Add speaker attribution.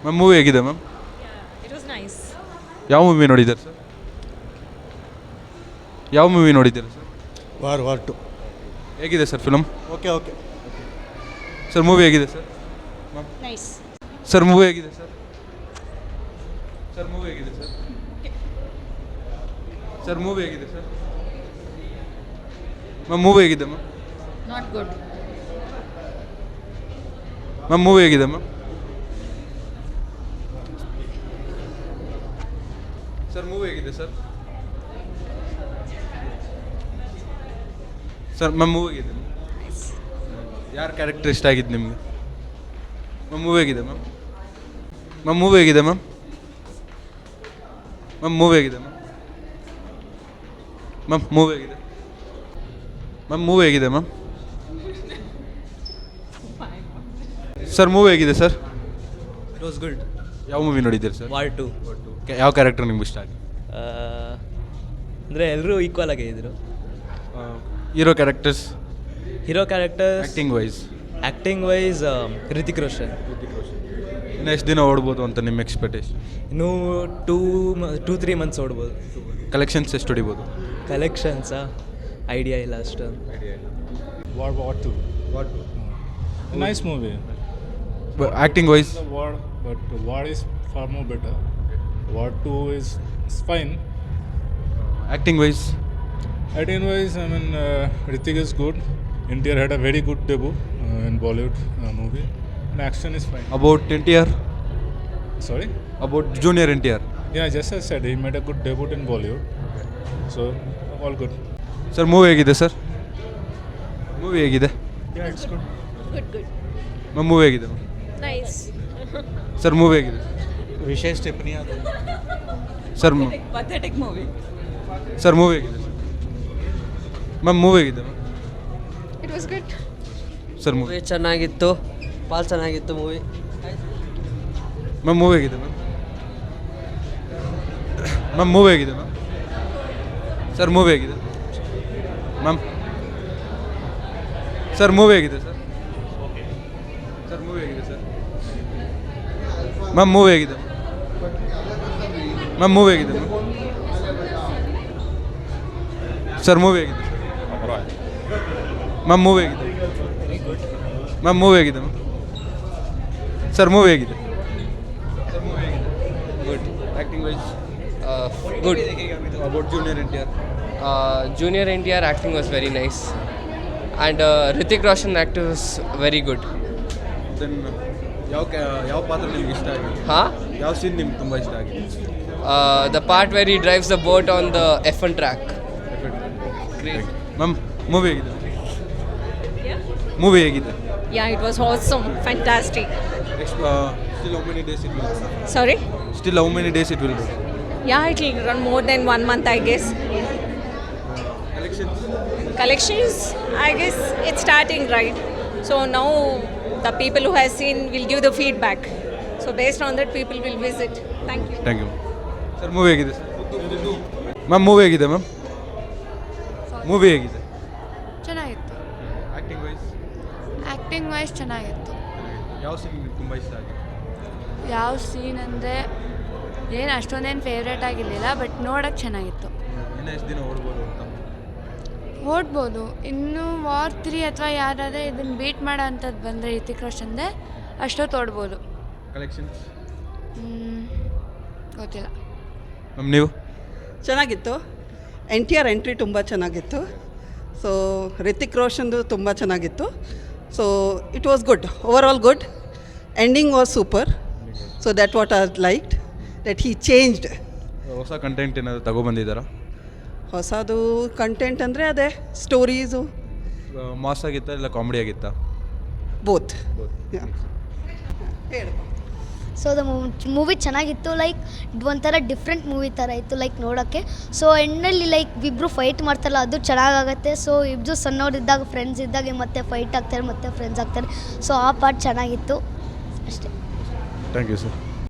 Speaker 1: Ma'am movie ಹೇಗಿದೆ ma'am?
Speaker 2: It was nice.
Speaker 1: ಯಾವ movie ನೋಡಿದ್ದೀರಾ ಸರ್? ಯಾವ ಮೂವಿ ನೋಡಿದ್ದೀರಾ ಸರ್?
Speaker 3: ವಾರ್ 2.
Speaker 1: ಹೇಗಿದೆ sir film?
Speaker 3: Okay.
Speaker 1: Sir movie ಹೇಗಿದೆ ಸರ್?
Speaker 2: ನೈಸ್.
Speaker 1: ಸರ್ ಮೂವಿ ಹೇಗಿದೆ ಸರ್? ಸರ್ ಮೂವಿ ಹೇಗಿದೆ ಸರ್? ಸರ್ ಮೂವಿ ಹೇಗಿದೆ ಸರ್? ಮ್ಯಾಮ್ ಮೂವಿ ಹೇಗಿದೆ ma'am?
Speaker 2: Not good.
Speaker 1: Ma'am movie ಹೇಗಿದೆ ಮ್ಯಾಮ್? ಸರ್ ಮೂವಿ ಹೇಗಿದೆ ಸರ್? ಸರ್ ಮ್ಯಾಮ್ ಮೂವಿ ಹೇಗಿದೆ? ಯಾರ ಕ್ಯಾರೆಕ್ಟರ್ ಇಷ್ಟ ಆಗಿದ್ದು ನಿಮಗೆ? ಮ್ಯಾಮ್ ಮೂವಿ ಹೇಗಿದೆ ಮ್ಯಾಮ್? ಮ್ಯಾಮ್ ಮೂವಿ ಹೇಗಿದೆ ಮ್ಯಾಮ್? ಮ್ಯಾಮ್ ಮೂವಿ ಹೇಗಿದೆ ಮ್ಯಾಮ್? ಮ್ಯಾಮ್ ಮೂವಿ ಹೇಗಿದೆ? ಮ್ಯಾಮ್ ಮೂವಿ ಹೇಗಿದೆ ಮ್ಯಾಮ್? ಸರ್ ಮೂವಿ ಹೇಗಿದೆ ಸರ್?
Speaker 4: It was good.
Speaker 1: ಯಾವ ಮೂವಿ ನೋಡಿದ್ದೀರಿ ಸರ್?
Speaker 4: ವಾರ್ 2.
Speaker 1: ಯಾವ ಕ್ಯಾರೆಕ್ಟರ್ ನಿಮ್ಗೆ ಇಷ್ಟ ಆಗಿದೆ?
Speaker 4: ಅಂದರೆ ಎಲ್ಲರೂ ಈಕ್ವಲ್ ಆಗೇ ಇದ್ರು.
Speaker 1: Hero characters,
Speaker 4: hero characters
Speaker 1: acting wise
Speaker 4: Hrithik Roshan.
Speaker 1: ಇನ್ನು ಎಷ್ಟು ದಿನ ಓಡ್ಬೋದು ಅಂತ ನಿಮ್ಮ ಎಕ್ಸ್ಪೆಕ್ಟೇಷನ್?
Speaker 4: ಇನ್ನೂ 2-3 ಮಂತ್ಸ್ ಓಡ್ಬೋದು.
Speaker 1: ಕಲೆಕ್ಷನ್ಸ್ ಎಷ್ಟು ಹೊಡಿಬೋದು?
Speaker 4: ಕಲೆಕ್ಷನ್ಸಾ ಐಡಿಯಾ ಇಲ್ಲ ಅಷ್ಟು.
Speaker 5: War 2. A nice movie.
Speaker 1: Acting wise
Speaker 5: The War, but War is far more better. War 2 is fine.
Speaker 1: Acting wise
Speaker 5: Acting wise, I mean, Hrithik is good. NTR had a very good debut in Bollywood movie. And action is fine.
Speaker 1: About NTR,
Speaker 5: Sorry?
Speaker 1: About junior NTR.
Speaker 5: Yeah, just as I said, he made a good debut in Bollywood. So, all good.
Speaker 1: Sir movie ಹೇಗಿದೆ sir? Movie ಹೇಗಿದೆ?
Speaker 5: Yeah, it's good.
Speaker 2: Good.
Speaker 1: Ma'am movie ಹೇಗಿದೆ?
Speaker 2: Nice.
Speaker 1: Sir movie ಹೇಗಿದೆ?
Speaker 3: ವಿಶೇಷ ಟಿಪ್ಪಣಿ ಅದು.
Speaker 1: Sir
Speaker 2: pathetic movie.
Speaker 1: Sir movie ಹೇಗಿದೆ? Ma'am movie ಹೇಗಿದೆ ma'am?
Speaker 2: It was good.
Speaker 1: Sir movie
Speaker 6: movie ಚೆನ್ನಾಗಿತ್ತು, ಭಾಳ ಚೆನ್ನಾಗಿತ್ತು ಮೂವಿ.
Speaker 1: ಮ್ಯಾಮ್ ಮೂವಿ ಹೇಗಿದೆ ಮ್ಯಾಮ್? ಮ್ಯಾಮ್ ಮೂವಿ ಹೇಗಿದೆ ಮ್ಯಾಮ್? ಸರ್ ಮೂವಿ ಹೇಗಿದೆ ಮ್ಯಾಮ್? ಸರ್ ಮೂವಿ ಹೇಗಿದೆ ಸರ್? ಸರ್ ಮೂವಿ ಹೇಗಿದೆ ಸರ್? ಮ್ಯಾಮ್ ಮೂವಿ ಹೇಗಿದೆ? ಮ್ಯಾಮ್ ಮೂವಿ ಹೇಗಿದೆ ಮ್ಯಾಮ್? ಸರ್ ಮೂವಿ ಹೇಗಿದೆ? ಮ್ಯಾಮ್ ಮೂವಿ ಹೇಗಿದೆ? ಮ್ಯಾಮ್ ಮೂವಿ ಹೇಗಿದೆ ಮ್ಯಾಮ್? ಸರ್ ಮೂವಿ ಹೇಗಿದೆ? Good. Acting wise
Speaker 7: Good.
Speaker 1: About junior NTR.
Speaker 7: Junior NTR acting was very nice, and Hrithik Roshan acting was very good.
Speaker 1: Then ಯಾವ ಪಾತ್ರ ನಿಮ್ಗೆ ಇಷ್ಟ ಆಗಿದೆ?
Speaker 7: Huh?
Speaker 1: ಯಾವ ಸೀನ್ ನಿಮ್ಗೆ ತುಂಬ ಇಷ್ಟ ಆಗಿದೆ?
Speaker 7: The part where he drives the boat on the F1 track. Great.
Speaker 1: Ma'am movie ಹೇಗಿದೆ? ಮೂವಿ ಹೇಗಿದೆ?
Speaker 2: Yeah, it was awesome. Fantastic.
Speaker 1: Still how many days it will go?
Speaker 2: Sorry?
Speaker 1: Still how many days it will go?
Speaker 2: Yeah, it will run more than 1 month, I guess.
Speaker 1: Collections?
Speaker 2: Collections, I guess it's starting, right? So now the people who have seen will give the feedback. So based on that, people will visit. Thank you.
Speaker 1: Thank you. Sir movie ಹೇಗಿದೆ sir? Ma'am movie ಹೇಗಿದೆ ma'am? Movie ಹೇಗಿದೆ?
Speaker 8: ಚೆನ್ನಾಗಿತ್ತು.
Speaker 1: Acting wise?
Speaker 8: Acting wise ಚೆನ್ನಾಗಿತ್ತು.
Speaker 1: ಯಾವ scene ನಿಮ್ಗೆ ತುಂಬ ಇಷ್ಟ ಆಗಿದೆ?
Speaker 8: ಯಾವ ಸೀನ್ ಅಂದರೆ ಏನು ಅಷ್ಟೊಂದೇನು ಫೇವ್ರೇಟ್ ಆಗಿರಲಿಲ್ಲ, ಬಟ್ ನೋಡೋಕ್ಕೆ ಚೆನ್ನಾಗಿತ್ತು.
Speaker 1: ಇನ್ನೂ ಎಷ್ಟು ದಿನ ಓಡ್ಬೋದು ಅಂತ?
Speaker 8: ಓಡ್ಬೋದು. ಇನ್ನು ವಾರ್ 3 ಅಥವಾ ಯಾರಾದರೆ ಇದನ್ನು ಬೀಟ್ ಮಾಡೋ ಅಂಥದ್ದು ಬಂದರೆ ರಿತಿಕ್ ರೋಷನ್ದೆ ಅಷ್ಟೊತ್ತು ಓಡ್ಬೋದು.
Speaker 1: ಕಲೆಕ್ಷನ್ಸ್?
Speaker 8: ಗೊತ್ತಿಲ್ಲ.
Speaker 1: ಮ್ಯಾಮ್ ನೀವು?
Speaker 9: ಚೆನ್ನಾಗಿತ್ತು. NTR ಎಂಟ್ರಿ ತುಂಬ ಚೆನ್ನಾಗಿತ್ತು. ಸೊ ರಿತಿಕ್ ರೋಷನ್ದು ತುಂಬ ಚೆನ್ನಾಗಿತ್ತು. So it was good, over all good. Ending was super. So that what I liked, that he changed.
Speaker 1: ಹೊಸ ಕಂಟೆಂಟ್ ಏನಾದರೂ ತಗೊಬಂದಿದ್ದಾರಾ?
Speaker 9: ಹೊಸದು ಕಂಟೆಂಟ್ ಅಂದರೆ ಅದೇ ಸ್ಟೋರೀಸು.
Speaker 1: ಮಾಸ್ ಆಗಿತ್ತಾ ಇಲ್ಲ ಕಾಮಿಡಿ ಆಗಿತ್ತಾ?
Speaker 9: ಬೋತ್. ಹೇಳು.
Speaker 10: ಸೊ ದ ಮೂವಿ ಚೆನ್ನಾಗಿತ್ತು. ಲೈಕ್ ಒಂಥರ ಡಿಫ್ರೆಂಟ್ ಮೂವಿ ಥರ ಇತ್ತು ಲೈಕ್ ನೋಡೋಕ್ಕೆ. ಸೊ ಎಂಡಲ್ಲಿ ಲೈಕ್ ಇಬ್ಬರು ಫೈಟ್ ಮಾಡ್ತಾರಲ್ಲ, ಅದು ಚೆನ್ನಾಗಾಗತ್ತೆ. ಸೊ ಇಬ್ಬರು ಸಣ್ಣವರಿದ್ದಾಗ ಫ್ರೆಂಡ್ಸ್ ಇದ್ದಾಗ ಮತ್ತೆ ಫೈಟ್ ಆಗ್ತಾರೆ, ಮತ್ತೆ ಫ್ರೆಂಡ್ಸ್ ಆಗ್ತಾರೆ. ಸೊ ಆ ಪಾರ್ಟ್ ಚೆನ್ನಾಗಿತ್ತು ಅಷ್ಟೇ.
Speaker 1: Thank you sir.